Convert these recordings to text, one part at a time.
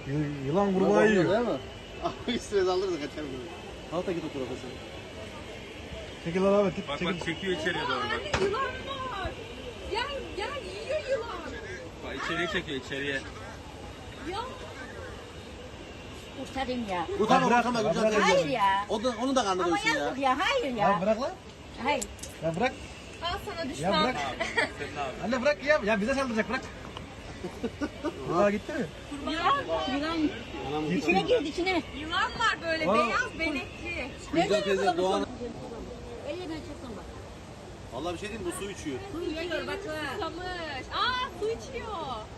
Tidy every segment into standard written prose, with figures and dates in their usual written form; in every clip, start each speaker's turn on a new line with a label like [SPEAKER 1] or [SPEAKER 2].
[SPEAKER 1] Yılan kurbağa yiyor.
[SPEAKER 2] Değil mi? Abi üstüne alırız kaçar bunu. Halta git o tarafa sen.
[SPEAKER 1] Çekil lan Ahmet git.
[SPEAKER 3] Bak
[SPEAKER 1] Çekil.
[SPEAKER 3] bak çekiyor içeriye doğru bak.
[SPEAKER 4] Anne yılan var. Gel gel yiyor yılan.
[SPEAKER 3] Bak içeriye çekiyor içeriye.
[SPEAKER 4] Ya
[SPEAKER 5] Kurtarayım ya.
[SPEAKER 2] Utanma
[SPEAKER 1] bırak,
[SPEAKER 2] utanma
[SPEAKER 1] bırak,
[SPEAKER 2] güzel
[SPEAKER 1] bırak.
[SPEAKER 5] Hayır
[SPEAKER 2] teyze.
[SPEAKER 5] ya.
[SPEAKER 2] Onu da karnı
[SPEAKER 5] Ama
[SPEAKER 2] doysun ya.
[SPEAKER 5] yazık ya. Hayır
[SPEAKER 1] Ya
[SPEAKER 5] ya.
[SPEAKER 1] bırak lan.
[SPEAKER 5] Hayır.
[SPEAKER 1] Ya bırak.
[SPEAKER 4] al sana
[SPEAKER 1] Ya
[SPEAKER 4] düşman.
[SPEAKER 1] bırak.
[SPEAKER 3] Senin abi.
[SPEAKER 1] Anne bırak ya. Ya bize saldıracak bırak. Aa gitti mi?
[SPEAKER 5] Yılan.
[SPEAKER 2] Anam
[SPEAKER 5] İçine girdi içine.
[SPEAKER 4] Yılan var böyle
[SPEAKER 1] Aa.
[SPEAKER 4] beyaz benekli.
[SPEAKER 2] güzel teyze Doğan.
[SPEAKER 5] Elinden çektim bak.
[SPEAKER 2] Vallahi bir şey diyeyim bu su içiyor.
[SPEAKER 5] Su yiyor bak.
[SPEAKER 4] Susamış. Aa su içiyor.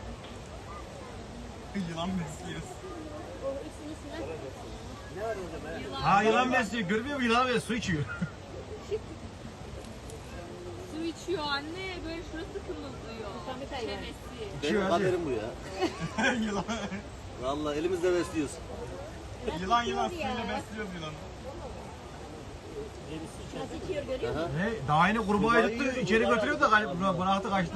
[SPEAKER 3] Yılan besliyoruz.
[SPEAKER 5] O ikisini sıra.
[SPEAKER 1] Ha yılan besliyor. Görmüyor musun yılan besliyor? Su içiyor.
[SPEAKER 4] Su içiyor anne. Böyle şurası kımıldıyor. Çenesi.
[SPEAKER 1] İçiyor
[SPEAKER 2] Benim
[SPEAKER 1] hadi.
[SPEAKER 2] kaderim bu ya.
[SPEAKER 3] Yılan.
[SPEAKER 2] Vallahi elimizde besliyoruz.
[SPEAKER 3] Yılan suyla besliyoruz yılanı.
[SPEAKER 5] Nasıl içiyor görüyor musun?
[SPEAKER 2] Aha.
[SPEAKER 1] Ne? Daha yeni kurbağayı tuttu. İçeri götürüyor da bıraktı kaçtı.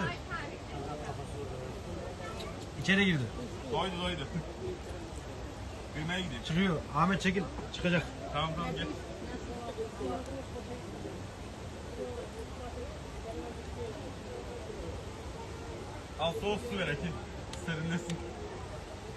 [SPEAKER 1] İçeri girdi.
[SPEAKER 3] Doydu. Büyümeye gidiyor.
[SPEAKER 1] Çıkıyor. Ahmet çekil. Çıkacak.
[SPEAKER 3] Tamam gel. Al soğuk su ver Ekin. Serinlesin.